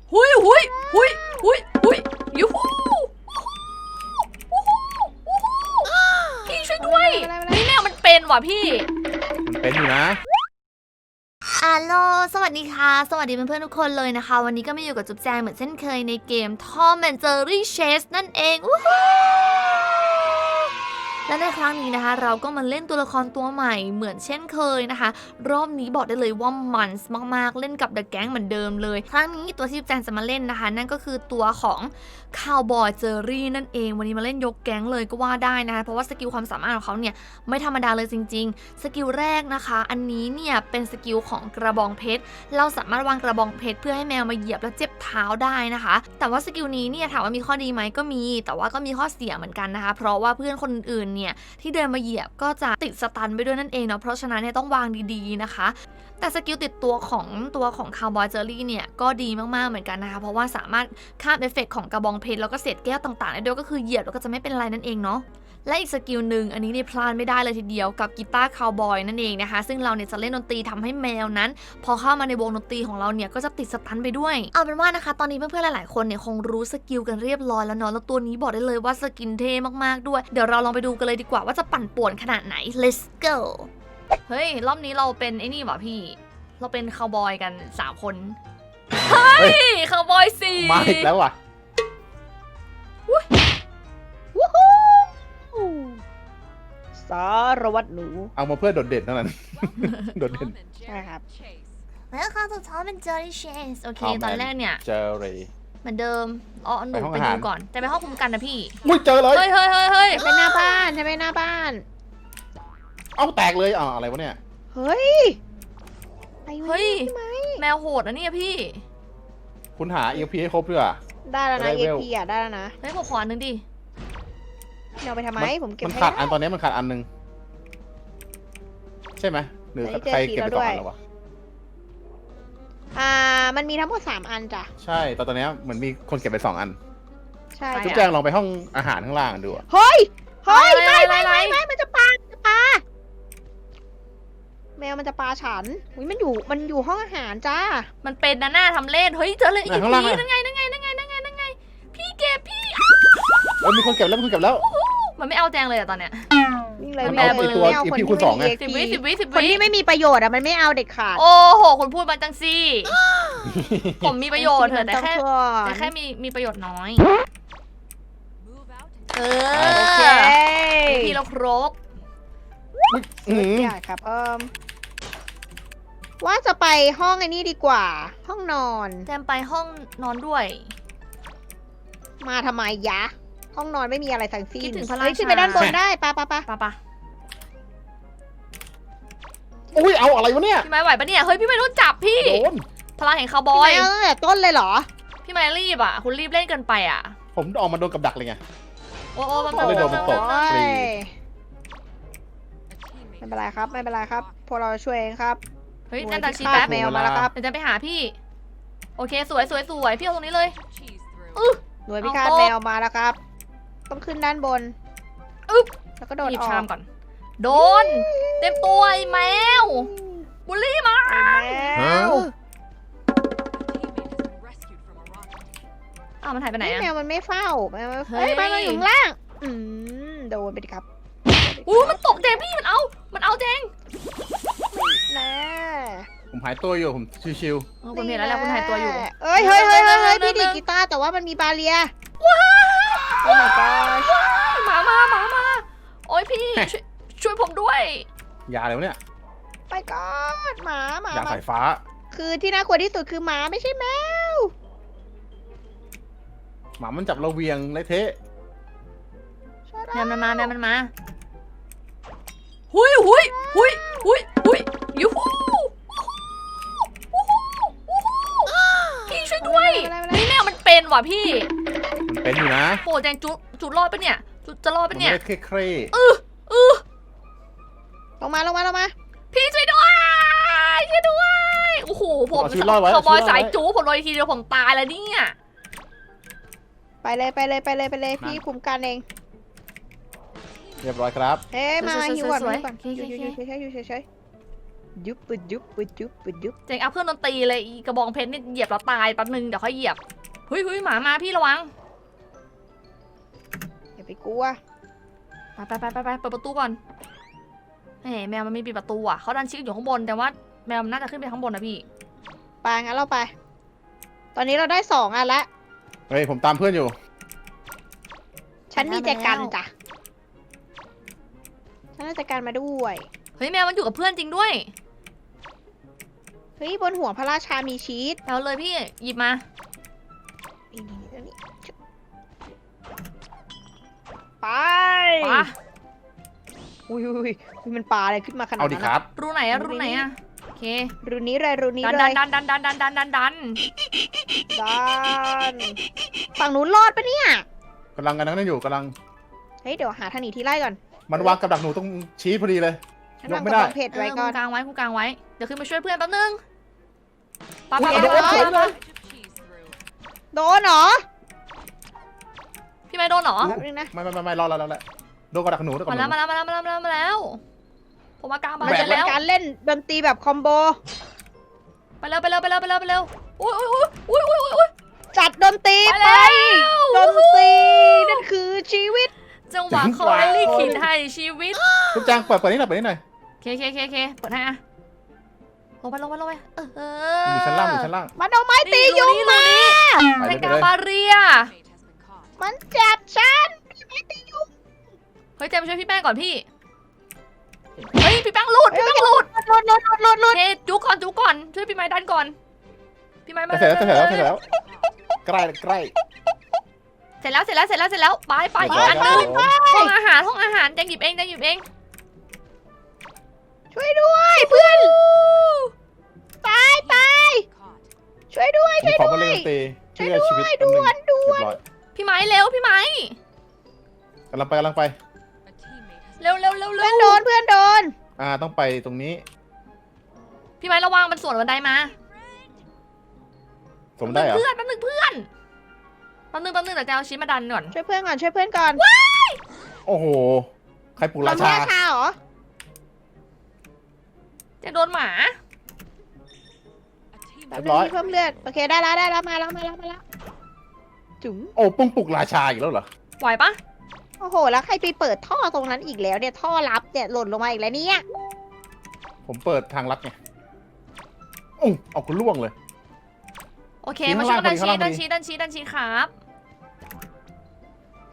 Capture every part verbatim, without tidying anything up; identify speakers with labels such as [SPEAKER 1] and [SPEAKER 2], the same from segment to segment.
[SPEAKER 1] หุยหุยหุยหุยหุยยูฮูพี่ช่วยด้วยนี่แมวมันเป็นว่ะพี่
[SPEAKER 2] มันเป็นอยู่นะ
[SPEAKER 1] อัลโหลสวัสดีค่ะสวัสดีเพื่อนๆทุกคนเลยนะคะวันนี้ก็มาอยู่กับจุ๊บแจงเหมือนเช่นเคยในเกม Tom and Jerry Chase นั่นเองวู้ฮู้และในครั้งนี้นะคะเราก็มาเล่นตัวละครตัวใหม่เหมือนเช่นเคยนะคะรอบนี้บอกได้เลยว่ามันมากๆเล่นกับ The Gang เหมือนเดิมเลยครั้งนี้ตัวที่จุ๊บแจงจะมาเล่นนะคะนั่นก็คือตัวของคาวบอยเจอรี่นั่นเองวันนี้มาเล่นยกแก๊งเลยก็ว่าได้นะคะเพราะว่าสกิลความสามารถของเขาเนี่ยไม่ธรรมดาเลยจริงๆสกิลแรกนะคะอันนี้เนี่ยเป็นสกิลของกระบองเพชรเราสามารถวางกระบองเพชรเพื่อให้แมวมาเหยียบแล้วเจ็บเท้าได้นะคะแต่ว่าสกิลนี้เนี่ยถามว่ามีข้อดีไหมก็มีแต่ว่าก็มีข้อเสียเหมือนกันนะคะเพราะว่าเพื่อนคนอื่นๆเนี่ยที่เดินมาเหยียบก็จะติดสตันไปด้วยนั่นเองเนาะเพราะฉะนั้นเนี่ยต้องวางดีๆนะคะแต่สกิลติดตัวของตัวของคาวบอยเจอรี่เนี่ยก็ดีมากๆเหมือนกันนะคะเพราะว่าสามารถข้ามเอฟเฟกต์ของกระบองเพชรแล้วก็เศษแก้วต่างๆได้ด้วยก็คือเหยียบแล้วก็จะไม่เป็นไรนั่นเองเนาะและอีกสกิลหนึ่งอันนี้นี่พลาดไม่ได้เลยทีเดียวกับกีตาร์คาวบอยนั่นเองนะคะซึ่งเราเนี่ยจะเล่นดนตรีทำให้แมวนั้นพอเข้ามาในวงดนตรีของเราเนี่ยก็จะติดสตันไปด้วยเอาเป็นว่านะคะตอนนี้เพื่อนๆหลายๆคนเนี่ยคงรู้สกิลกันเรียบร้อยแล้วเนาะแล้วตัวนี้บอกได้เลยว่าสกินเท่มากๆด้วยเดี๋ยวเราลองไปดูกันเลยดีกว่าว่าจะปั่นป่วนขนาดไหน let's go เฮ้ยรอบนี้เราเป็นไอ้นี่ว่ะพี่เราเป็นคาวบอยกันสามคนเฮ้ยคาวบอยสี่
[SPEAKER 2] มาอีกแล้วว่ะ
[SPEAKER 3] วู้ฮู้สารวัตรหนู
[SPEAKER 2] เอามาเพื่อโดดเด่นเท่านั้น โดดเด่น
[SPEAKER 3] ใช่ครับ
[SPEAKER 1] Welcome to Tom and Jerry Chase โอเคตอนแรกเนี่ย
[SPEAKER 2] เจอเลย
[SPEAKER 1] เหมือนเดิมอ๋อหนูไปดูก่อนแต่ไปห้องคุมกันนะพี่
[SPEAKER 2] มุ้ยเจอเลย
[SPEAKER 1] เฮ้ยเฮ้ยเฮ้ยเฮ้ย
[SPEAKER 3] ใช่ไหมหน้าบ้านใช่ไหมหน้าบ้าน
[SPEAKER 2] เอาแตกเลยอ๋ออะไรวะเนี่ย
[SPEAKER 3] เฮ้ย
[SPEAKER 1] เฮ้ยแมวโหดนะเนี่ยพี่
[SPEAKER 2] คุณหา อี พี ให้ครบด้วยอ่ะ
[SPEAKER 3] ได้แล้วนะ อี พี อ่ะได้แล้วนะ
[SPEAKER 1] เฮ้ยผมขออันนึงดิ
[SPEAKER 3] เอาไปทำไมผมเก็บ
[SPEAKER 2] มันขาดอันตอนนี้มันขาดอันนึงใช่ไหมหรือใครเก็บไปสองอันแล้ววะ
[SPEAKER 3] อ่ามันมีทั้งหมดสามอันจ้ะ
[SPEAKER 2] ใช่ตอนตอนนี้เหมือนมีคนเก็บไปสองอัน
[SPEAKER 3] ใช่
[SPEAKER 2] จุ๊บแจงลองไปห้องอาหารข้างล่างดู
[SPEAKER 3] เฮ้ยเฮ้ยไม่ไม่ไม่ไม่มันจะปาจะปาแมวมันจะปาฉันอุ้ยมันอยู่มันอยู่ห้องอาหารจ้า
[SPEAKER 1] มันเป็นนะหน้าทำเล่นเฮ้ยเจอเลยอีกทีนั่นไงนั่นไงนั่นไงนั่นไงนั่นไงพี่เก็บพี่
[SPEAKER 2] เออมีคนเก็บแล้วมีคนเก็บแล้ว
[SPEAKER 1] มันไม่เอาแจงเลยอะตอนเนี้ย
[SPEAKER 3] นี่เลย
[SPEAKER 2] มันเอาไอตัว อี พี คูณสองไง
[SPEAKER 1] สิบวิสิบวิสิบวิ
[SPEAKER 3] คนที่ไม่มีประโยชน์อะมันไม่เอาเด็ดขาด
[SPEAKER 1] โอ้โหคุณพูดมาจังซี่ผมมีประโยชน์เถอะแต่แค่แต่แค่มีมีประโยชน์น้อยเออโอเคพี่เราครบ
[SPEAKER 3] ใช่ครับเอิมว่าจะไปห้องไอ้นี่ดีกว่าห้องนอน
[SPEAKER 1] แจมไปห้องนอนด้วย
[SPEAKER 3] มาทำไมยะห้องนอนไม่มีอะไรทั้งสิ้น
[SPEAKER 1] คิดถึงพระราชา
[SPEAKER 3] ขึ้นไปด้านบนได้ปะปะปะ
[SPEAKER 1] ปะปะ
[SPEAKER 2] อุ้ยเอาอะไรวะเนี่ย
[SPEAKER 1] พี่ไม้ไหวปะเนี่ยเฮ้ยพี่ไม้โดนจับพี่
[SPEAKER 2] โดน
[SPEAKER 1] พลังแห่งคาวบอย
[SPEAKER 3] พี่ไม้ตั้งแต่ต้นเลยเหรอ
[SPEAKER 1] พี่ไม้รีบอ่ะคุณรีบเล่นเกินไปอ่ะ
[SPEAKER 2] ผมออกมาโดนกับดักเลยไง
[SPEAKER 1] โอ้โอ้มัน
[SPEAKER 2] เลยโดนมันตกฟรี
[SPEAKER 3] ไม่เป็นไรครับไม่เป็นไรครับพวกเราช่วยเองครับ
[SPEAKER 1] เฮ้ยนั่นตาชีแป๊บ
[SPEAKER 3] แมวมาแล้วครับ
[SPEAKER 1] เดี๋ยวจะไปหาพี่โอเคสวยสวยสวยพี่เอาตรงนี้เลย
[SPEAKER 3] อือหน่วยพิฆาตแมวมาแล้วครับต้องขึ้นด้านบน
[SPEAKER 1] อึ๊บ
[SPEAKER 3] แล้วก็โดดออก
[SPEAKER 1] ชามก่อนโดนเต็มตัวไอ้แมวบุลลี่มา
[SPEAKER 3] แมว
[SPEAKER 1] อ้าวมันหายไปไหนอะ
[SPEAKER 3] แมวมันไม่เฝ้าแมวเฮ้ยมันอยู่ข้างล่างอืมโดนไปดิครับ
[SPEAKER 1] อู้มันตกเจงพี่มันเอามันเอาเจง
[SPEAKER 3] แน่
[SPEAKER 2] ผมหายตัวอยู่ผมชิว
[SPEAKER 1] ๆคุณเห็นแล้วแหละคุณหายตัวอยู่
[SPEAKER 3] เอ้ยเฮ้ยเฮ้ยเฮ้ยพี่ดีกีตาร์แต่ว่ามันมีบาเรีย
[SPEAKER 1] ว้า
[SPEAKER 3] โอ้ my god
[SPEAKER 1] หมามาหมามาโอ้ยพี่ช่วยผมด้วย
[SPEAKER 2] ยาอะไรวะเนี่ย
[SPEAKER 3] ไปก่อนหมาหมาย
[SPEAKER 2] าสายฟ้า
[SPEAKER 3] คือที่น่ากลัวที่สุดคือหมาไม่ใช่แมว
[SPEAKER 2] หมามันจับเราเวียงเลยเทะ
[SPEAKER 1] แมวมันมาแมวมันมาหุยหุยหุยหุยหุยยูฮูพี่ช่วยด้วยนี่แมวมันเป็นว่ะพี่
[SPEAKER 2] มันเป็นอยู่นะ
[SPEAKER 1] โอ้แจงจุจุรอดปะเนี่ยจุจะรอดปะเนี่ย
[SPEAKER 2] ไม่เคร่
[SPEAKER 1] เออเออ
[SPEAKER 3] ลงมาลงมาลงมา
[SPEAKER 1] พี่ช่วยด้วยช่วยด้วยโอ้โหผมเขาบอยสายจูผมลอยทีเดียวผมตายแล้วเนี่ย
[SPEAKER 3] ไปเลยไปเลยไปเลยไปเลยพี่คุมกันเอง
[SPEAKER 2] เรียบร้อยครับ
[SPEAKER 3] เอ๊ะมาหิวก่อนหิวก่อนอยู่อยู่เฉยๆอยู่เฉยยุบปุดยุบปุดยุบปุดยุบ
[SPEAKER 1] เจงอัพเครื่องดนตรีเลยอีกระบองเพชรนี่เหยียบเราตายแป๊บนึงเดี๋ยวค่อยเหยียบเฮ้ยเฮ้ยหมามาพี่ระวัง
[SPEAKER 3] อย่าไปกลัว
[SPEAKER 1] ไปไปไปไปไปเปิดประตูก่อนเฮ้แมวมันไม่ปิดประตูอ่ะเขาดันชิคอยู่ข้างบนแต่ว่าแมวมันน่าจะขึ้นไปข้างบนนะพี่
[SPEAKER 3] ไปงั้นเราไป ตอนนี้เราได้สองอันละ
[SPEAKER 2] เฮ้ยผมตามเพื่อนอยู่
[SPEAKER 3] ฉันมีแจกันจ้ะฉันได้แจกันมาด้วย
[SPEAKER 1] เฮ้ยแมวมันอยู่กับเพื่อนจริงด้วย
[SPEAKER 3] เฮ้ยบนหัวพระราชามีชีส
[SPEAKER 1] เอาเลยพี่หยิบมา
[SPEAKER 3] นี่นี่นี่นี่ไป
[SPEAKER 1] ปะ
[SPEAKER 3] อุ้ยอุ้ยอุ้ยมันปลาอะไรขึ้นมาขนาด
[SPEAKER 2] เอาดิ
[SPEAKER 3] นั้น
[SPEAKER 2] ค
[SPEAKER 3] อะ
[SPEAKER 2] รับ
[SPEAKER 1] รูไหนอะรูไหนอะโอเค
[SPEAKER 3] รูนี้เลยรูนี้
[SPEAKER 1] ดัน
[SPEAKER 3] เล
[SPEAKER 1] ดั
[SPEAKER 3] ย
[SPEAKER 1] นดันดันดันดันดันดันดัน
[SPEAKER 3] ดันฝั่งนู้นรอดปะเนี่ย
[SPEAKER 2] กำลังกันนั่นอยู่กำลัง
[SPEAKER 3] เฮ้ยเดี๋ยวหาทางหนีที่ไล่ก่อน
[SPEAKER 2] มันวางกับดักหนูตรงชี้พอดีเลย
[SPEAKER 3] ฉัน
[SPEAKER 2] ยก
[SPEAKER 3] วาง
[SPEAKER 2] ไม่
[SPEAKER 3] ก
[SPEAKER 2] ได้
[SPEAKER 3] ระบองเพชร
[SPEAKER 1] เอ
[SPEAKER 3] ไว้
[SPEAKER 1] อ
[SPEAKER 3] ก่
[SPEAKER 1] คุ
[SPEAKER 3] อน
[SPEAKER 1] ณกลางไว้คุณกลางไว้เดี๋ยวขึ้นมาช่วยเพื่อนแป๊บนึงปะ
[SPEAKER 2] อุ๊
[SPEAKER 1] ปะ
[SPEAKER 2] ย
[SPEAKER 1] ปะ
[SPEAKER 2] เดี๋ยว
[SPEAKER 1] ปะ
[SPEAKER 2] เดี๋ยว
[SPEAKER 1] ปะปะ
[SPEAKER 3] โดนเหรอ
[SPEAKER 1] พี่ไม่โดนเหรอ
[SPEAKER 3] แป๊บนึงนะ
[SPEAKER 2] ไม่ไม่ไม่ไม่รอแล้วแล้วแหละโดนกับดักหนูโดนกับ
[SPEAKER 1] มา
[SPEAKER 2] ดักห
[SPEAKER 1] แล้ว
[SPEAKER 2] นู
[SPEAKER 1] มาแล้วมาแล้วมาแล้วมาแล้วมาแล้วผมมากลางบ้าน
[SPEAKER 3] มัน
[SPEAKER 1] ไป
[SPEAKER 3] จะเป็น
[SPEAKER 1] แล้ว
[SPEAKER 3] การเล่นดนตรีแบบคอมโบ
[SPEAKER 1] ไปเร็วไปเร็วไปเร็วไปเร็วไปเร็วอุ้ยอุ้ยอุ้ยอุ้ยอุ้ยอุ้ย
[SPEAKER 3] จัดดนตรี
[SPEAKER 1] ไป
[SPEAKER 3] ไป
[SPEAKER 1] แล้ว
[SPEAKER 3] ดนตรีนั่นคือชีวิต
[SPEAKER 1] จังหวะเขาได้ลิขิตให้ชีวิต
[SPEAKER 2] ทุกจางเปิดเปิดนี่หน่อยเปิดนี่หน่อย
[SPEAKER 1] เคเคเคเคเปิดให้อะลงไปลงไปลงไปเออ
[SPEAKER 2] อยู่ชั้นล่างอยู่ชั้นล่าง
[SPEAKER 3] มันเอาไม้ตียุง
[SPEAKER 1] นี่
[SPEAKER 3] มา
[SPEAKER 1] นี่
[SPEAKER 2] ไป
[SPEAKER 1] แท
[SPEAKER 2] เลย
[SPEAKER 1] ง
[SPEAKER 2] ไป
[SPEAKER 1] กา
[SPEAKER 2] เลย
[SPEAKER 1] บาเรีย
[SPEAKER 3] มันจับฉันไม้ตียุง
[SPEAKER 1] เฮ้ยเจมส์ช่วยพี่แป้งก่อนพี่เฮ้ยพี่แป้งหลุดพี่แป้งหลุด
[SPEAKER 3] หลุดหลุดหลุดหลุดหลุด
[SPEAKER 1] เฮ้จุกก่อนจุกก่อนช่วยพี่ไม้ดันก่อนพี่ไม้มา
[SPEAKER 2] จะเสร็จแล้วจะเสร็จแล้วจะเสร็จแล้วใกล้ใกล้
[SPEAKER 1] เสร็จแล้วเสร็จแล้วเสร็จแล้วเสร็จแล้วไปไปอีกอันหนึงห้องอาหารห้องอาหารแจงหยิบเองแจงหยิบเอง
[SPEAKER 3] ช่วยด้วยเพื่อนตายตายช่วยด้วย
[SPEAKER 2] มี
[SPEAKER 3] ช่วย
[SPEAKER 2] ของ
[SPEAKER 3] ด้
[SPEAKER 2] มา
[SPEAKER 3] วย
[SPEAKER 2] เล่นตี
[SPEAKER 3] ช่วย
[SPEAKER 2] เพื่อชีวิต
[SPEAKER 3] ด้วย
[SPEAKER 2] แป๊บนึง
[SPEAKER 3] ด่วนด่วน
[SPEAKER 2] เรียบร้อย
[SPEAKER 1] พี่ไม้เร็วพี่ไม้
[SPEAKER 2] กำลังไปกำลังไป
[SPEAKER 1] เร็วเร็วเร็ว
[SPEAKER 3] เพื่
[SPEAKER 1] เร็
[SPEAKER 3] อน
[SPEAKER 1] ว
[SPEAKER 3] โดนเพื่อนโดน
[SPEAKER 2] อ่าต้องไปตรงนี้
[SPEAKER 1] พี่ไม้ระวังมันสวนบันไดมา
[SPEAKER 2] สมได้เหรอ
[SPEAKER 1] เพื่อนแป๊บนึงเพื่อนแป๊บนึงแป๊บนึงเดี๋ยวจะเอาชิ้นมาดันก่อน
[SPEAKER 3] ช่วยเพื่อนก่อนช่วยเพื่อนก่อน
[SPEAKER 2] โอ้โหใครปลุก
[SPEAKER 3] เรา
[SPEAKER 2] รา
[SPEAKER 3] ไม่
[SPEAKER 2] ชา
[SPEAKER 3] ราชาเหรอ
[SPEAKER 1] จะโดนหมา
[SPEAKER 3] แป๊บนึงมีเพิ่มเลือดโอเคได้แล้วได้แล้วมาแล้วมาแล้วมาแล้วจุ๋ม
[SPEAKER 2] โอ้ปุ้งปลุกราชาอีกแล้วเหรอ
[SPEAKER 1] ไหวปะ
[SPEAKER 3] โอ้โหแล้วใครไปเปิดท่อตรงนั้นอีกแล้วเนี่ยท่อลับเนี่ยหล่นลงมาอีกแล้วเนี่ย
[SPEAKER 2] ผมเปิดทางลัดไงอุ้งเอาคุณล่วงเลย
[SPEAKER 1] โอเค
[SPEAKER 2] ชิ้น
[SPEAKER 1] มาช่วยกันดัน
[SPEAKER 2] ข้างล่าง
[SPEAKER 1] ชีดัน
[SPEAKER 2] พอดี
[SPEAKER 1] ชีดันชีดันชีครับ
[SPEAKER 3] ไป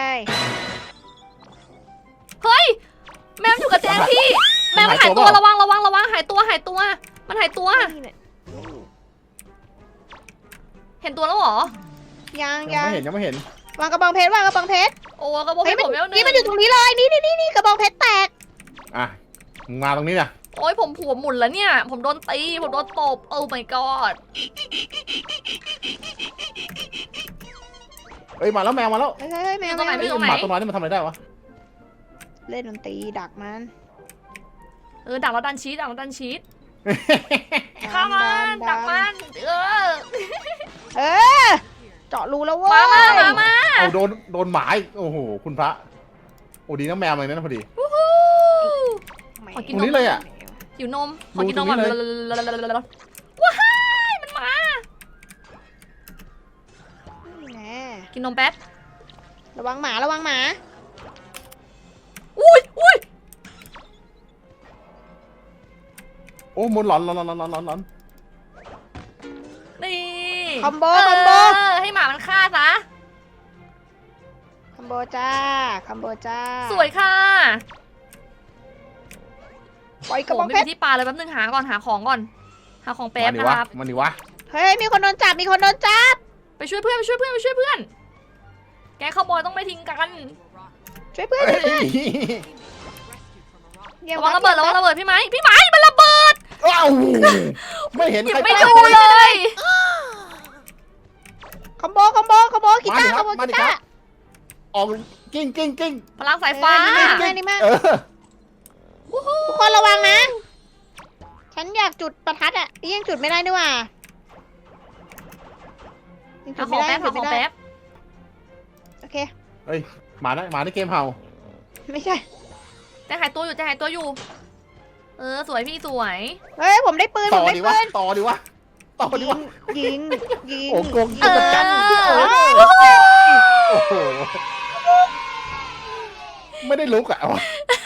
[SPEAKER 1] เฮ้ยแมวอยู่กับแจงพี่แมวมันหายตัวระวังระวังระวังหายตัวหายตัว มันหายตัว
[SPEAKER 3] นี่เนี่ย
[SPEAKER 1] เห็นตัวแล้วเหรอ
[SPEAKER 3] ยัง
[SPEAKER 2] ยั
[SPEAKER 3] ยัง ง
[SPEAKER 2] ไม่เห็นยังไม่เห็น
[SPEAKER 3] วางกระบองเพชรวางกระบองเพชร
[SPEAKER 1] โอ้กระบอก
[SPEAKER 3] เฮ้
[SPEAKER 1] ให้
[SPEAKER 3] ย
[SPEAKER 1] ผมแล้วห
[SPEAKER 3] นี่
[SPEAKER 1] นึ่ง
[SPEAKER 3] มันอยู่ตรงนี้เลยนี่นี่นี่นี่กระบองเพชรแตก
[SPEAKER 2] อ่ะมึงมาตรงนี้นะ
[SPEAKER 1] โอ้ยผมผัวหมุนแล้วเนี่ย ผมโดนตีผมโดนตบโอ้ my god
[SPEAKER 2] เอ้ยมาแล้วแมวมาแล้ว
[SPEAKER 3] เฮ้ยเฮ้ยเฮ้ยแมว
[SPEAKER 1] อยู่ตรงไหน
[SPEAKER 3] แมว
[SPEAKER 1] พี่
[SPEAKER 2] เอ้ยหมาตัวน้อยนี่มันทำอะไรได้วะ
[SPEAKER 3] เล่นดนตรีดักมัน
[SPEAKER 1] เออดักแล้วดันชีสดักแล้วดันชีสข้ามันดักมันเออ
[SPEAKER 3] เออเจาะรูแล้วเว้ย
[SPEAKER 1] มามามามา
[SPEAKER 2] เอาโดนโดนหมาอีกโอ้โหคุณพระโอ้ดีนะแมวเลยนะพอดี
[SPEAKER 1] วู้ฮู้ ขอกิ
[SPEAKER 2] ตรงนี้เลยอ่ะ
[SPEAKER 1] หิวนมขอกินนมก่อน
[SPEAKER 2] ดูตรงนี้เลย
[SPEAKER 1] ว้ายมันมา
[SPEAKER 3] นี่แน่
[SPEAKER 1] กินนมแป๊บ
[SPEAKER 3] ระวังหมาระวังหมา
[SPEAKER 1] อุ้ยอุ้ย
[SPEAKER 2] โอ้มนหลอนหลอนหลอนหลอนหลอนหลอน
[SPEAKER 1] นี่
[SPEAKER 3] คอมโบคอมโบ
[SPEAKER 1] เออให้หมามันฆ่าซะ
[SPEAKER 3] คอมโบจ้าคอมโบจ้า
[SPEAKER 1] สวยค่ะ
[SPEAKER 3] ปล่อยกระ
[SPEAKER 1] โอ้
[SPEAKER 3] บอง
[SPEAKER 1] ไม่
[SPEAKER 3] เพช
[SPEAKER 1] มี
[SPEAKER 3] ร
[SPEAKER 1] ที่ปลาเลยแป๊บนึงหาก่อนหาของก่อนหาของแป๊บ
[SPEAKER 2] มาดิ
[SPEAKER 1] นะ
[SPEAKER 2] วะ
[SPEAKER 1] ครับ
[SPEAKER 2] มันดิวะ
[SPEAKER 3] เฮ้ยมีคนโดนจับมีคนโดนจับ
[SPEAKER 1] ไปช่วยเพื่อนไปช่วยเพื่อนไปช่วยเพื่อน แกงข้าวบอยต้องไม่ทิ้งกัน
[SPEAKER 3] ช่วยเพื่อน
[SPEAKER 2] เฮ้ย
[SPEAKER 3] อย่า
[SPEAKER 1] ระวังระเบิดระวังระเบิดพี่ไม้พี่ไม้มันระเบิด
[SPEAKER 2] อ้าวไม่เห็น
[SPEAKER 1] หยิบ
[SPEAKER 2] ใคร
[SPEAKER 1] ไม่
[SPEAKER 2] ตาย
[SPEAKER 1] ดูเลย
[SPEAKER 3] คอมโบคอมโบคอมโบกีตาร์คอมโบ
[SPEAKER 2] มาดิ
[SPEAKER 3] กี
[SPEAKER 2] ครั
[SPEAKER 3] ตา
[SPEAKER 2] บ
[SPEAKER 3] ร์
[SPEAKER 2] ออกกิ้งกิ้งกิ้ง
[SPEAKER 1] พลังสายฟ้า
[SPEAKER 3] เออนี่มากนี่มาก
[SPEAKER 2] เออ
[SPEAKER 1] วู้ฮู้
[SPEAKER 3] ทุกคนระวังนะ ฉันอยากจุดประทัดอ่ะนี่ยังจุดไม่ได้ด้วยว่ะยังจุ
[SPEAKER 1] หา
[SPEAKER 3] ด
[SPEAKER 1] ข
[SPEAKER 3] ไม่
[SPEAKER 1] อง
[SPEAKER 3] ได้
[SPEAKER 1] แป๊บ
[SPEAKER 3] จุ
[SPEAKER 1] หา
[SPEAKER 3] ด
[SPEAKER 1] ของ
[SPEAKER 3] ไม่ได้
[SPEAKER 1] แป๊บ
[SPEAKER 3] โอเค
[SPEAKER 2] เฮ้ยหมานะหมาในเกมเห่า
[SPEAKER 3] ไม่ใช่
[SPEAKER 1] แต่หายตัวอยู่แต่หายตัวอยู่เออสวยพี่สวย
[SPEAKER 3] เฮ้ยผมได้ปืนผ
[SPEAKER 2] ต่อ
[SPEAKER 3] มได้
[SPEAKER 2] ดี
[SPEAKER 3] ปื
[SPEAKER 2] วะ
[SPEAKER 3] น
[SPEAKER 2] ต่อดีวะต่อดี
[SPEAKER 3] ยิ
[SPEAKER 2] วะ
[SPEAKER 3] งยิงยิง
[SPEAKER 2] โอ้โกงยิงกันจัง
[SPEAKER 1] เออ
[SPEAKER 2] โอ้โหไม่ได้ลุกอ่ะ